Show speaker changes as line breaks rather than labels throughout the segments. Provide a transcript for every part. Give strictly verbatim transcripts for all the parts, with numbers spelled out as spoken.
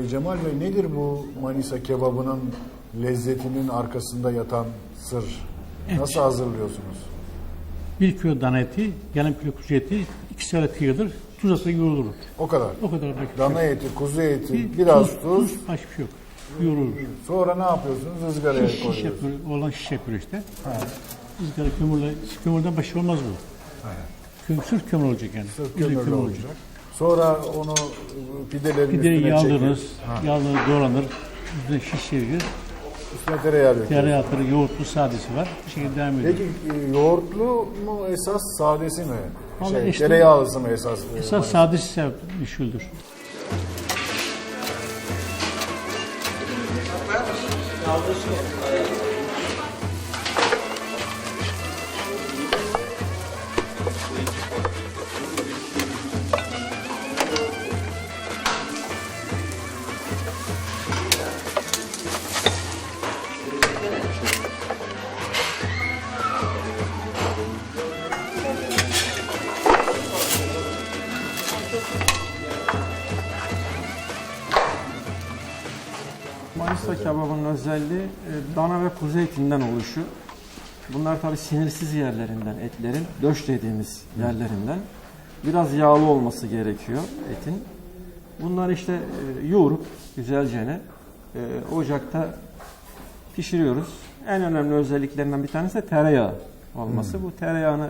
E, Cemal Bey, nedir bu Manisa kebabının lezzetinin arkasında yatan sır?
Evet.
Nasıl hazırlıyorsunuz?
Bir kilo dana eti, yarım kilo kuzu eti, iki saat kıyılır, tuz atla yoğrulur.
O kadar.
O kadar belki.
Dana eti, kuzu eti,
Bir
biraz
tuz,
tuz.
tuz, başka bir şey yok. Yoğrulur.
Sonra ne yapıyorsunuz? Izgaraya
Şiş, şiş
koyuyorsunuz.
yapıyor, olan şiş yapıyor işte. Izgara kömürle, kömürden başka olmaz bu. Kömür, sırf kömür olacak yani.
Sırf
Üzüm
kömürlü olacak. Sonra onu e, pidelerin
Pideyi
üstüne
yağlanır,
çekip
yağlanır, doğranır, üstüne şiş çevirir.
üstüne tereyağı döküyorsunuz.
Tereyağı atları, yoğurtlu, sadesi var. Bu şekilde devam ediyor.
Peki e, yoğurtlu mu esas, sadesi mi?
Vallahi
Şey,
işte-
tereyağlısı mı esas? e,
Esas sadesi meşhuldür.
Manisa kebabının özelliği e, dana ve kuzu etinden oluşu. Bunlar tabi sinirsiz yerlerinden, etlerin döş dediğimiz yerlerinden. Biraz yağlı olması gerekiyor etin. Bunları işte e, yoğurup güzelce e, ocakta pişiriyoruz. En önemli özelliklerinden bir tanesi de tereyağı olması. Bu tereyağını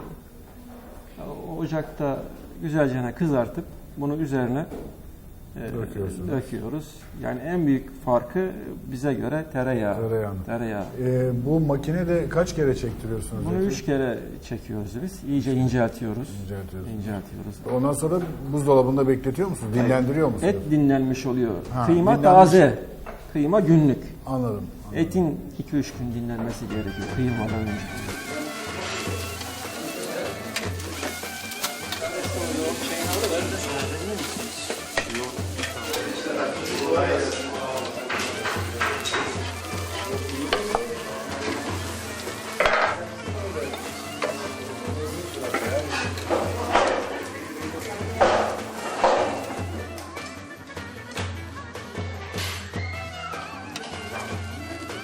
e, ocakta güzelce kızartıp bunu üzerine
Döküyorsunuz.
döküyoruz. Yani en büyük farkı bize göre tereyağı.
Tereyağı.
Tereyağı.
E, bu makinede kaç kere çektiriyorsunuz?
Bunu
eti?
üç kere çekiyoruz biz. İyice inceltiyoruz.
İnceltiyorsunuz.
İnceltiyoruz.
Ondan sonra buzdolabında bekletiyor musunuz? Dinlendiriyor musunuz?
Et dinlenmiş oluyor.
Ha,
Kıyma
dinlenmiş.
taze. Kıyma günlük.
Anladım.
Etin iki üç gün dinlenmesi gerekiyor kıymadan önce.